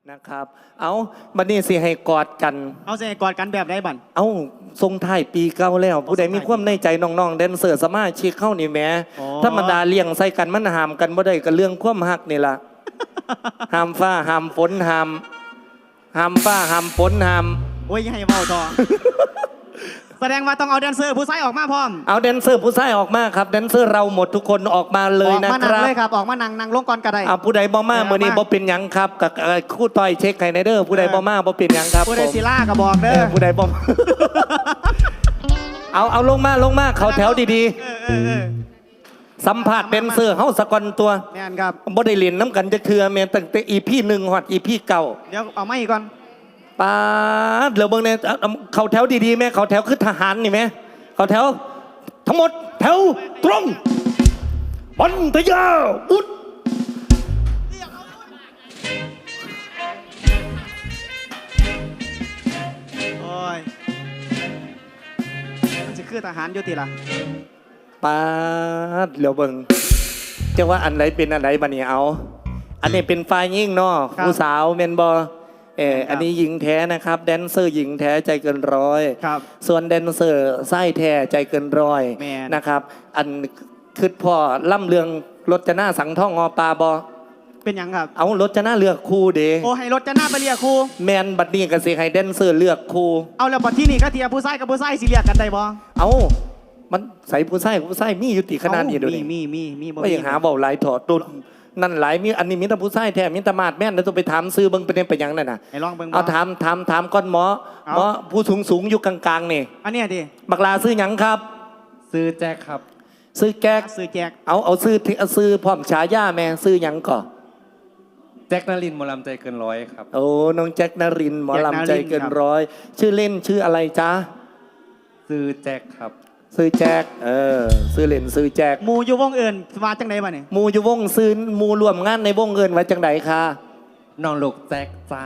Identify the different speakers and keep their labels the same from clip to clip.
Speaker 1: นะครับเอาบัดนี้สิให้กอดกัน
Speaker 2: เอาสิให้กอดกันแบบใดบั่น
Speaker 1: เอาทรงท้ายปีเก่าแล้วผู้ใดมีความในใจน้องๆแดนเซอร์สมาชิกเข้านี่แหมธรรมดาเลี้ยงใส่กันมันห้ามกันบ่ได้ก็เรื่องความฮักนี่ล่ะห้ามฟ้าห้ามฝนห้ามฟ้าห้ามฝนห้าม
Speaker 2: โอ้ยให้เว้าต่อ แสดงว่าต้องเอาแดนเซอร์ผู้ชายออกมาพร้อม
Speaker 1: เอาแดนเซอร์ผู้ชายออกมาครับแดนเซอร์เราหมดทุกคนออกมาเลยนะค
Speaker 2: รับออกมานั่งเลยครับออกมานั่งลงก่อนก็ได้
Speaker 1: ผู้ใดบ่มามื้อนี้บ่เป็นหยังครับกับคู่ต่อยเช็คให้ในเด้อผู้ใดบ่มาบ่เป็นหยังครับ
Speaker 2: ผู้ใดสิล่าก็บอกเด้อ
Speaker 1: ผู้ใดบ่เอาลงมาเขาแถวดีๆสัมภาษณ์แดนเซอร์เฮาสะก่อนตัว
Speaker 2: แม่นครับ
Speaker 1: บ่ได้เล่นน้ำกันจะเทื่อแม่นตั้งแต่ EP 1ฮอด EP 9เ
Speaker 2: ดี๋ยวเอามาอีกก่อน
Speaker 1: ป๊าดเหลือเบิ่งเนี่ยเขาแถวดีๆแม่เขาแถวคือทหารนี่แม่เขาแถวทั้งหมดแถวตรงปันทยาอุด
Speaker 2: โอ้ยมันจะคือทหารอยู่ติล่ะ
Speaker 1: ป๊าดเหลือเบิ่งจะว่าอันไหนเป็นอันไหนบัดนี้เอาอันนี้เป็นฝ่ายหญิงเนาะผู้สาวแม่นบ่อันนี้หญิงแท้นะครับแดนเซอร์หญิงแท้ใจเกินร้อยส่วนแดนเซอร์ไส้แท้ใจเกินร้อยนะครับอันคือพ่อล่ำเรืองรถจะหน้าสังท่องอปลาบอ
Speaker 2: เป็นยังครับ
Speaker 1: เอารถจะหน้าเลือกครูเด
Speaker 2: โอ้ให้รถจะหน้าไปเรียกครู
Speaker 1: แมนบัดนี้ก็สิให้แดนเซอร์เลือกครู
Speaker 2: เอาแล้วบัดที่นี่ก็เทียผู้ชายกับผู้ชายสิเรียกกันได้บ่
Speaker 1: เอามันใส่ผู้ชายมีอยู่ติขนาดนี้ดูดิ
Speaker 2: มี
Speaker 1: บ่ยังหาเบาหลายถอดตุนนั่นหลายมีอันนี้มีแต่ผู้ชายแท้มีแต่มาดแม่นแล้วต้องไปถามซื้อเบิ่งเป็นไปยังนั่นน่ะ
Speaker 2: ให้ลองเบิ่ง
Speaker 1: เอาถามก้อนหมอผู้สูงอยู่กลางๆนี่
Speaker 2: อันนี้ดิ
Speaker 1: บักลาซื้อหยังครับ
Speaker 3: ซื้อแจ็คครับ
Speaker 1: ซื้อแจ็คเอาซื้อพร้อมฉายาแม่ซื้อหยังก่อ
Speaker 3: แจ็คนรินทร์หมอลำใจเกินร้อยครับ
Speaker 1: โอ้น้องแจ็คนรินทร์หมอลำใจเกินร้อยชื่อเล่นชื่ออะไรจ๊ะ
Speaker 3: ซื้อแจ็คครับ
Speaker 1: ซื้อแจ็คซื้อเล่นซื้อแจ็ค
Speaker 2: มูอยู่วงเอิญมาจังไดบ่เนี่ย
Speaker 1: มูอยู่วงซื้อมูรวมงานในวงเอิญไว้จังไดคะ
Speaker 3: น้องลูกแจ็คจ้า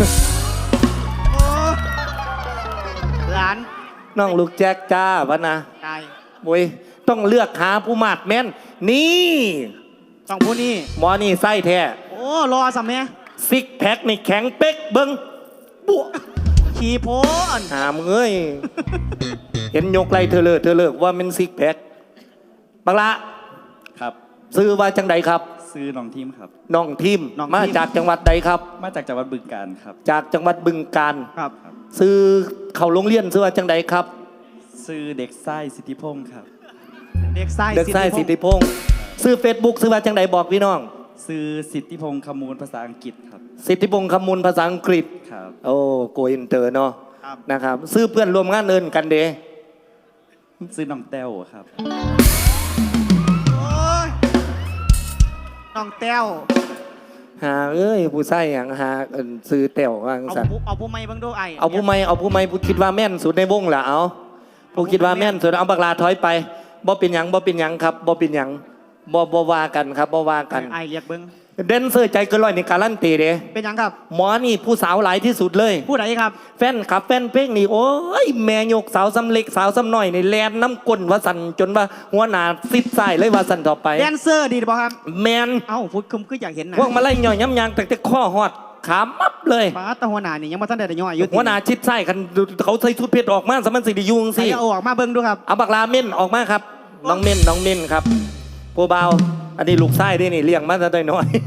Speaker 2: หลาน
Speaker 1: น้องลูกแจ็คจ้าวะนะ
Speaker 2: ใช่
Speaker 1: โว้ยต้องเลือกหาผู้มาดแม่นนี่
Speaker 2: ต้องผู้นี้
Speaker 1: หมอนี่ไส้แท้
Speaker 2: โอ้รอสำเนีย
Speaker 1: ซิกแพคนี่แข็งเป๊กเบิ้งปุ๊
Speaker 2: ขี่โพน
Speaker 1: หามเอ้ยเห็นยกไรเธอเลิกว่ามันซิกแพคบังละ
Speaker 3: ครับ
Speaker 1: ซื้อว่าจังใดครับ
Speaker 3: ซื้อน้องทีมครับ
Speaker 1: น้องทีมมาจากจังหวัดใดครับ
Speaker 3: มาจากจังหวัดบึงกาฬครับ
Speaker 1: จากจังหวัดบึงกาฬ
Speaker 2: ครับ
Speaker 1: ซื้อเขาโรงเรียนซื้อว่าจังใดครับ
Speaker 3: ซื้อเด็กไส้สิทธิพงศ์ครับ
Speaker 2: เด็กไส้
Speaker 1: สิทธิพงศ์ซื้อ Facebook ซื้อว่าจังใดบอกพี่น้อง
Speaker 3: ซื้อสิทธิพงศ์คำมูลภาษาอังกฤษครับ
Speaker 1: สิทธิพงศ์คำมูลภาษาอังกฤษ
Speaker 3: ครับ
Speaker 1: โอ้โกอินเตอร์เนาะนะครับซื้อเพื่อนรวมงานเอินกันเด
Speaker 3: ซื้อน้องแต้วครับ
Speaker 2: น้องแต้ว
Speaker 1: หาเอ้ยผู้ใส่อย่างหาซื้อแต้วว่า
Speaker 2: สั่นเอาผู้ไม่เบิ่งดูไอ
Speaker 1: เอาผู้ไม่ผู้คิดว่าแม่นสุดในวงล่ะเอาผู้คิดว่าแม่นสุดเอาบักลาถอยไปบ่เป็นหยังครับบ่เป็นหยังบ่ว่ากันครับบ่ว่ากัน
Speaker 2: ไอเรียกเบิ่ง
Speaker 1: แดนเซอร์ใจเกินร้อยในการลั่นตีเด้
Speaker 2: เป็นยังครับ
Speaker 1: หมอนี่ผู้สาวหลายที่สุดเลย
Speaker 2: ผู้ไหนครับ
Speaker 1: แฟนเพลงนี่โอ้ยแม่ยกสาวซ้ำเล็กสาวซ้ำน้อยในแลนน้ำก้นว่าสั่นจนว่าหัวหน้าซิดใส่เลยว่าสั่นต่อไป
Speaker 2: แดนเซอร์ดีป่ะครับ
Speaker 1: แมน
Speaker 2: เอ้าพูดคุมคืออยากเห็นนะ
Speaker 1: พวกมาไล่ย่อยย้ำยางแต่ข้อหอดขามับเลย
Speaker 2: ป้าตาหัวหน้านี่ยังมาท่านได้ย่อยอยู่
Speaker 1: หัวหน้าชิดใส่กันเขาใส่ชุดเพชรออกมาสมันสิดิยุงสิ
Speaker 2: เอาออกมาเบิ้งดูครับ
Speaker 1: เอาบักลาเม่นออกมาครับน้องเม่นครับผู้เบาอันนี้ลูกไส้ด้วยนี่เลี้ยงมาซะน้อย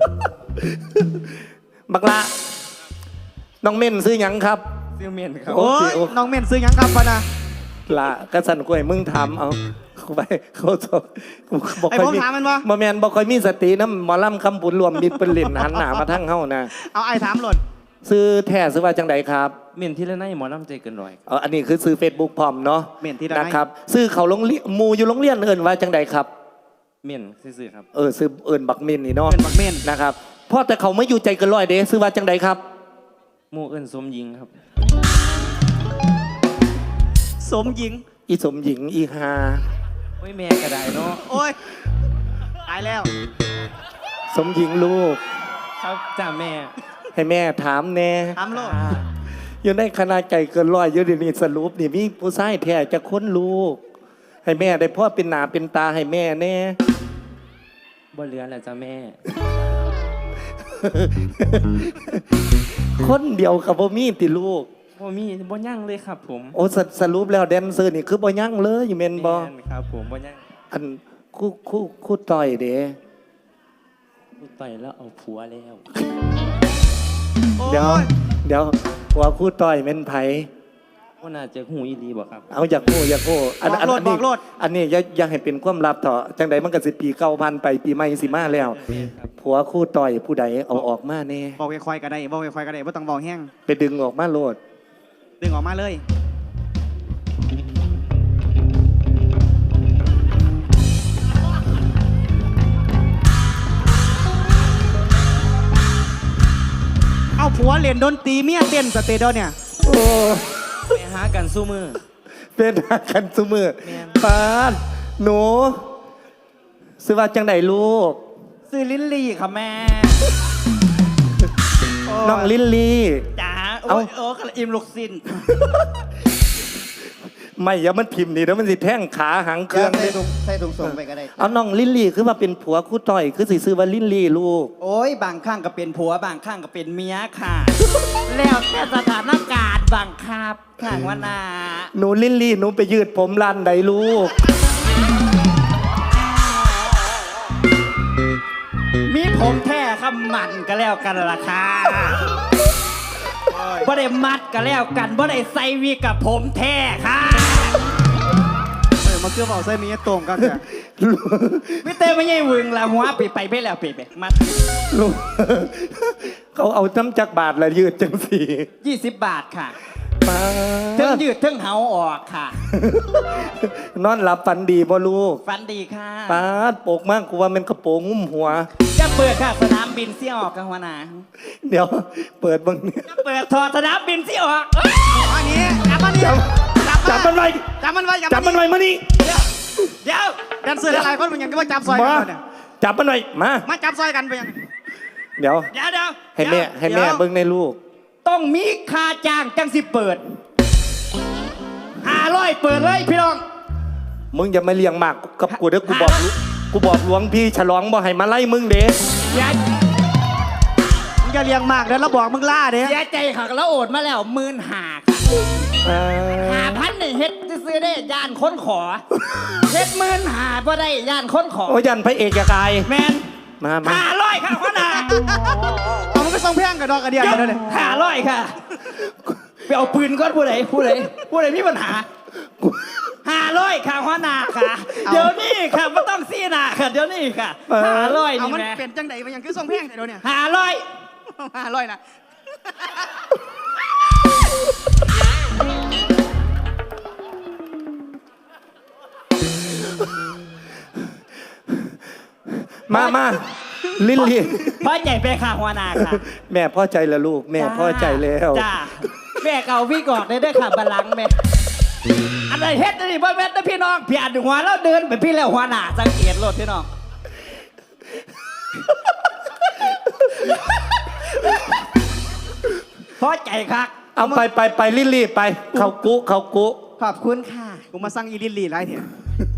Speaker 1: บักละน้องเม่นซื้อหยังครับ
Speaker 3: ซื้อเม่นครับ
Speaker 2: โอ้ยน้องเม่นซื้อหยังครับปะนะ
Speaker 1: ละกระสันกล้วยมึงถามเอาไปเขา
Speaker 2: บอกไอ้ผมถามมันวะ
Speaker 1: มาแมนบอกคอยมีสติน้ำหมอลำคำปุ่นรวมมีเป็นเหรียญหันหนามาทั้งเฮ้านะ
Speaker 2: เอาไอ้ถามหล่น
Speaker 1: ซื้อแท้ซื้อว่าจังใดครับ
Speaker 3: เม่นที่ละไนหมอลำใจเกินร้อย
Speaker 1: อันนี้คือซื้อ Facebook พร้อมเนาะ
Speaker 2: เม่นที่ละไน
Speaker 1: นะครับซื้อเขาโรงเรียนมูอยู่โรงเรียนเอิญว่าจังใดครับ
Speaker 3: เม่นซื้อครับ
Speaker 1: ซื้อเอิญบักเม่นนี่เนาะ
Speaker 2: บักเม่น
Speaker 1: นะครับพ่อแต่เขาไม่อยู่ใจเกินร้อยเด้ซื้อว่าจังใดครับ
Speaker 3: หมู่เอิญสมหญิงครับ
Speaker 2: สมหญิง
Speaker 1: อีสมหญิงอีฮา
Speaker 3: โอ้ยแม่กระไดเนาะ
Speaker 2: โอ้ยตายแล้ว
Speaker 1: สมหญิงลูก
Speaker 3: ครับจ้าแม่
Speaker 1: ให้แม่ถามแน่
Speaker 2: ถามลูก
Speaker 1: อยู่ในคณะใจเกินร้อยอยู่นี่สรุปนี่มีผู้ชายแท้จะค้นลูกให้แม่ได้พ่อเป็นหนาเป็นตาให้แม่แน่
Speaker 3: บ่เหลือแล้วจ้าแม่
Speaker 1: คนเดียวกับบ่มีติลูก
Speaker 3: บ่มีบ่ยั่งเลยครับผม
Speaker 1: โอ้สรุปแล้วแดนเซอร์นี่คือบ่ยั่งเลยอยู่แม่นบ่
Speaker 3: แม่นครับผมบ่ยั่ง
Speaker 1: อันคู่ต่อยเด้
Speaker 3: กูต่อยแล้วเอาผัวแล้ว
Speaker 2: โอ้
Speaker 1: เดี๋ยวว่าคู่ต่อยแม่นไผ
Speaker 3: ว่าน่าจะหูอีหลีบ่ครับ
Speaker 1: เอาอยากฮู้อันนี้อย่าให้เป็นความลับเถอะจังใดมันก็สิปีเก่าพันไปปีใหม่สิมาแล้ว
Speaker 3: ครับ
Speaker 1: ผัวคู่ต่อยผู้ใดเอาออกมาแน่
Speaker 2: บอกค่อยๆก็ได้บอกค่อยๆก็ได้บ่ต้องบอกแห้ง
Speaker 1: ไปดึงออกมาโลด
Speaker 2: ดึงออกมาเลย เอาผัวเล่นดนตรีเมียเต้นสเตเดียวเนี่ย
Speaker 1: โอ้
Speaker 3: ไปหากันสู้มือ
Speaker 1: เป็นหากันซุมือ
Speaker 3: แม่น
Speaker 1: ปานหนูซื้อว่าจังใดลูก
Speaker 3: ซื้อลิ้นลี่ครับแม่
Speaker 1: น้องลิลลี่
Speaker 3: จ๋า
Speaker 1: เอ้า
Speaker 3: โอ้กระอิ่มลูกสิ้น
Speaker 1: ไม่อย่ามันพิมพ์นี่แล้วมันสิแท่งขาหางเครื่อง
Speaker 4: ใส่ถุงส่งไปก็ได้
Speaker 1: เอาน้องลิลลี่คือว่าเป็นผัวคู่ต่อยคือสิซื้อว่าลิลลี่ลูก
Speaker 4: โอ้ยบางข้างก็เป็นผัวบางข้างก็เป็นเมียค่ะ
Speaker 3: แล้วแต่สถานการณ์บังคับข้างว่านา
Speaker 1: หนูลิลลี่หนูไปยืดผมร้านใดลูก
Speaker 3: มีผมแท้ครับมันก็แล้วกันล่ะค่ะบ่ได้มัดก็แล้วกันบ่ได้ใส่วีกับผมแท้ค่ะ
Speaker 2: มาเกือบเอาใส่มีตรงกันเนี่ย
Speaker 3: ไม่เต้ไม่ใช่วึงละหัวไปไปแล้วไปมัด
Speaker 1: ลูก เขาเอาน้ำจักบาทละยืดจังสี
Speaker 3: 20 บาทค่ะ
Speaker 1: ป้า
Speaker 3: เทิงยืดเทิงเหาออกค่ะ
Speaker 1: นอนหลับฝันดีบ่ลูก
Speaker 3: ฟันดีค่ะ
Speaker 1: ป้าดโปกมากกูว่ามันกระโปรงงุ้มหัว
Speaker 3: จะเปิดค่ะสนามบินเสี่ยออกกันหัวหนา
Speaker 1: เดี๋ยวเปิดบังเนี่ย
Speaker 3: จะเปิดถอดสนามบินเสี่ยออก
Speaker 2: อันนี้จับมันนี่
Speaker 1: จับมันไว้
Speaker 2: จับมันไว้
Speaker 1: จับมันไว้มานี่
Speaker 3: เดี๋ยว
Speaker 2: แดนเซอร์หลายคนมันยังก็มาจับซอยกั
Speaker 1: มาน
Speaker 2: เนี่ย
Speaker 1: จับมันไว้มา
Speaker 2: มาจับซอยกันไปยัง
Speaker 1: เดี๋ยว
Speaker 3: เดี๋ยวเดี๋ยว
Speaker 1: ให้แม่ให้แม่เบิ่งในลูก
Speaker 3: ต้องมีค่าจ้างจังสิเปิด500เปิดเลยพี่น้อง
Speaker 1: มึงอย่ามาเลี้ยงหมากกับกูเด้อกูบอกหลวงพี่ฉลองบ่ให้มาไล่มึงเด้
Speaker 3: อย่า
Speaker 2: มึงจะเลี้ยงมากเดี๋ยวเราบอกมึงล่าเด้
Speaker 3: เสียใจค่ะแล้วโอดมาแล้ว15,000ค่ะ 5,000นี่เฮ็ดซื้อได้ย่านค้นขอเฮ็ด15,000บ่ได้ย่านค้นขอ
Speaker 1: โอ้ยันพระเอกยากาย
Speaker 3: แมน
Speaker 1: มา
Speaker 3: 500ค่ะหัวหน้า
Speaker 2: เอามันก็ส่งเพียงกับดอกกระเดียดกันเลย
Speaker 3: 500ค่ะไปเอาปืนก่อนผู้ใดมีปัญหา500ค่ะหัวหน้าค่ะ เดี๋ยวนี้ค่ะไม่ต้องซีหน้าค่ะเดี๋ยวนี้ค่ะ500
Speaker 2: เอา
Speaker 3: นี่
Speaker 2: มัน
Speaker 3: แม่
Speaker 2: เป็นจังไดมันยังคือส่งเพียงแต่เดี๋ยวเนี่ย
Speaker 3: 500
Speaker 2: 500นะ
Speaker 1: มาลิลลี่
Speaker 3: พอใจไปค่ะหัวหน้าค่ะ
Speaker 1: แม่พ่อใจแล้วลูก แม่พ่อใจแล้ว
Speaker 3: จ้าแม่เก่าพี่กอดได้ด้วยค่ะบัลลังก์แม่อะไรเฮ็ดนี่บ่แม่นนะพี่น้องพี่อ่านหัวแล้วเดินไปพี่แล้วหัวหน้าสังเกตรถพี่น้องพอใจครับ
Speaker 1: เอาไปลิลลี่ไปเขากุ
Speaker 3: ขอบคุณค่ะ
Speaker 2: กูมาสั่งอีลิลลี่ไรเถอะ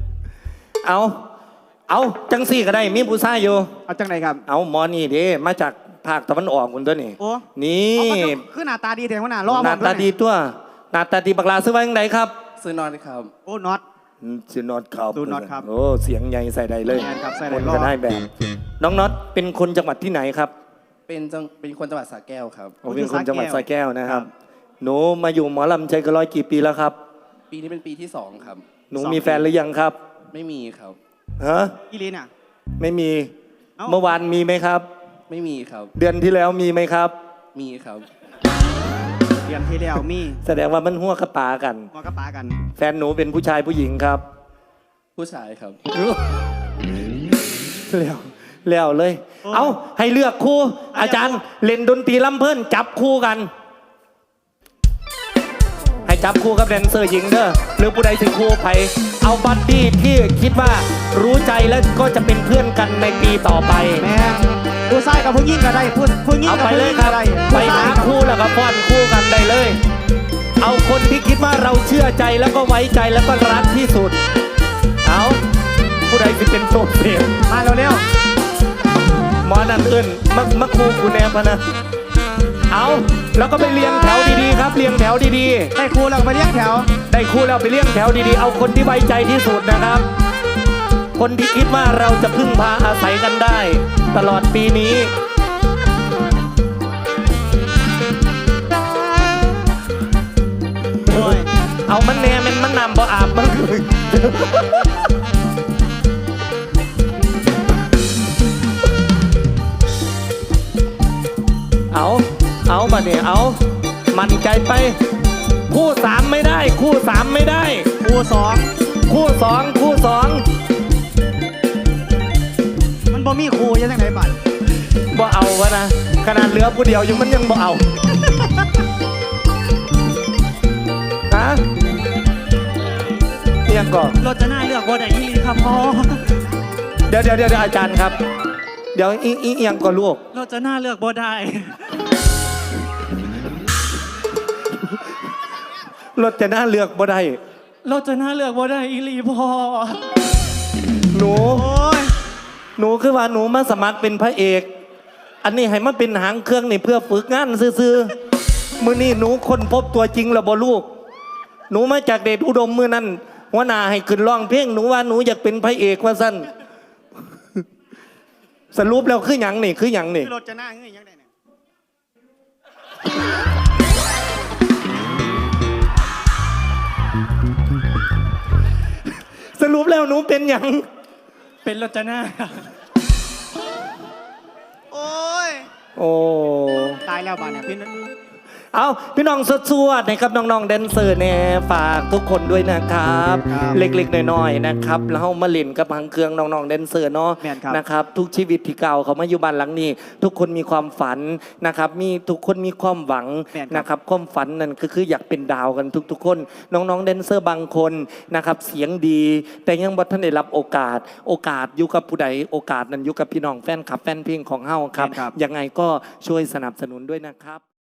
Speaker 1: เอาจังสี่ก็ได้มีผู้ชายอยู่
Speaker 2: เอาจังไดครับ
Speaker 1: เอาหมอนี่เด้มาจากภาคตะวันออกคุณตัวนี่
Speaker 2: โอ้
Speaker 1: นี่
Speaker 2: เอาก็คือหน้าตาดีแต่ว่าหน้ารอ
Speaker 1: หน้าตาดีตัวหน้าตาดีบักลาซื้อไว้ยังไงครับ
Speaker 3: ซื้อนอนครับ
Speaker 2: โอ้น็อต
Speaker 1: ชื่อน็อตครับ
Speaker 2: ดูน็อตครับ
Speaker 1: โอ้เสียงใหญ่ใส่ใดเลย
Speaker 2: แม่นครับใส่ใด
Speaker 1: คน
Speaker 2: รอ
Speaker 1: ก็ได้แบบ น้องน็อตเป็นคนจังหวัดที่ไหนครับ
Speaker 3: เป็นคนจังหวัดสระแก้วครับ
Speaker 1: ผมเป็นคนจังหวัดสระแก้วนะครับ หนูมาอยู่หมอลำใจกระร้อยกี่ปีแล้วครับ
Speaker 3: ปีนี้เป็นปีที่2ครับ
Speaker 1: หนูมีแฟนหรือยังครับ
Speaker 3: ไม่มีครับ
Speaker 1: ฮะ
Speaker 2: อีลินอ่ะ
Speaker 1: ไม่มี
Speaker 2: เอ้า
Speaker 1: เมื่อวานมีไหมครับ
Speaker 3: ไม่มีครับ
Speaker 1: เดือนที่แล้วมีไหมครับ
Speaker 3: มีครับ
Speaker 2: เดือนที่แล้วมี
Speaker 1: แสดงว่ามันหัวกระปากัน
Speaker 2: มอกระปากัน
Speaker 1: แฟนหนูเป็นผู้ชายผู้หญิงครับ
Speaker 3: ผู้ชายครับ
Speaker 1: แล้วเลย เอาให้เลือกคู่ อาจารย์เล่นดนตรีลำเพิ่นจับคู่กัน ให้จับคู่กับแดนเซอร์หญิงเด้อหรือผู้ใดถึงคู่ไผเอาบัดดี้ที่คิดว่ารู้ใจแล้วก็จะเป็นเพื่อนกันในปีต่อไป
Speaker 2: แม่ผู้ชายกับผู้หญิงก็ได้ผู้หญิง
Speaker 1: เอา
Speaker 2: กับ
Speaker 1: ไป
Speaker 2: ผู้
Speaker 1: เล
Speaker 2: ห
Speaker 1: ย
Speaker 2: ญิง
Speaker 1: ครั
Speaker 2: ก็
Speaker 1: บ
Speaker 2: ได้
Speaker 1: ไป
Speaker 2: ผู้ชา
Speaker 1: หาย
Speaker 2: กับ
Speaker 1: คู่แล้วก็ป้อนคู่กันได้เลย เอาคนที่คิดว่าเราเชื่อใจแล้วก็ไว้ใจแล้วก็รักที่สุด เอาผู้ใดจะเป็นโซเสียง
Speaker 2: มาเร็วๆ
Speaker 1: หมอนั่นอื่นมาคูกูแนบพะนะเอาแล้วก็ไปเรียงแถวดีๆครับเรียงแถวดีๆ
Speaker 2: ได้ครูเราไปเรียกแถว
Speaker 1: ได้คู่แล้วไปเลี้ยงแถวดีๆ เอาคนที่ไว้ใจที่สุดนะครับ คนที่คิดว่าเราจะพึ่งพาอาศัยกันได้ ตลอดปีนี้
Speaker 2: โอ้ย
Speaker 1: เอามันแน่มันนำบ่อาบมันเอามาเนี่ยเอา มันใจไป คู่สามไม่ได้ คู่สามไม่ได้
Speaker 2: ครูสอง
Speaker 1: คู่สองคู่สอง
Speaker 2: มันบ่มีครูยังไงไหนบัด
Speaker 1: บ่เอาวะนะขนาดเหลือผู้เดียวยังมันยังบ่เอาฮะเอียงก่อน
Speaker 3: รจนาเลือกบ่ได้อีหลีครับพ่อ
Speaker 1: เดี๋ยวอาจารย์ครับ เดี๋ยวเอียงก่อนลูก
Speaker 3: รจนาเลือกบ่ได้
Speaker 1: รถจะน่าเลือกบ่ได้
Speaker 3: รจนาเลือกบ่ได้อีหลีพ่อ
Speaker 1: หนู
Speaker 2: โอ้ย
Speaker 1: หนูคือว่าหนูมาสมัครเป็นพระเอก อันนี้ให้มาเป็นหางเครื่องนี่เพื่อฝึกงานซื่อๆมื้อนี้หนูค้นพบตัวจริงแล้วบ่ลูก หนูมาจากเดชอุดมมื้อนั้นหัวหน้าให้ขึ้นร้องเพลงหนูว่าหนูอยากเป็นพระเอกว่าซั่นสรุปแล้วคือหยังนี่คือหยังนี่
Speaker 2: รถจะหน้าเงยยังไงเนี่ย
Speaker 1: สรุปแล้วหนูเป็นหยัง
Speaker 3: เป็นรจนา
Speaker 2: โอ้ย
Speaker 1: โอ้
Speaker 2: ตายแล้วบัดเนี่ยพี่
Speaker 1: เอาพี่น้องสวดๆนะครับน้องๆแดนเซอร์เนี่ยฝากทุกคนด้วยนะครับ เล็กๆน้อยๆนะครับแล้วมาเล่นกับหางเครื่องน้องๆแดนเซอร์เนาะนะครับทุกชีวิตที่เก่าเขามาอยู่บ้านหลังนี้ ทุกคนมีความฝันนะครับมีทุกคนมีความหวังนะครับความฝันนั่นก็คืออยากเป็นดาวกันทุกๆคนน้องๆแดนเซอร์บางคนนะครับเสียงดี แต่ยังบ่ทันได้รับโอกาสอยู่กับผู้ใดโอกาสนั้นอยู่กับพี่น้องแฟนคลับแฟนเพลงของเฮาครับยังไงก็ช่วยสนับสนุนด้วยนะครับ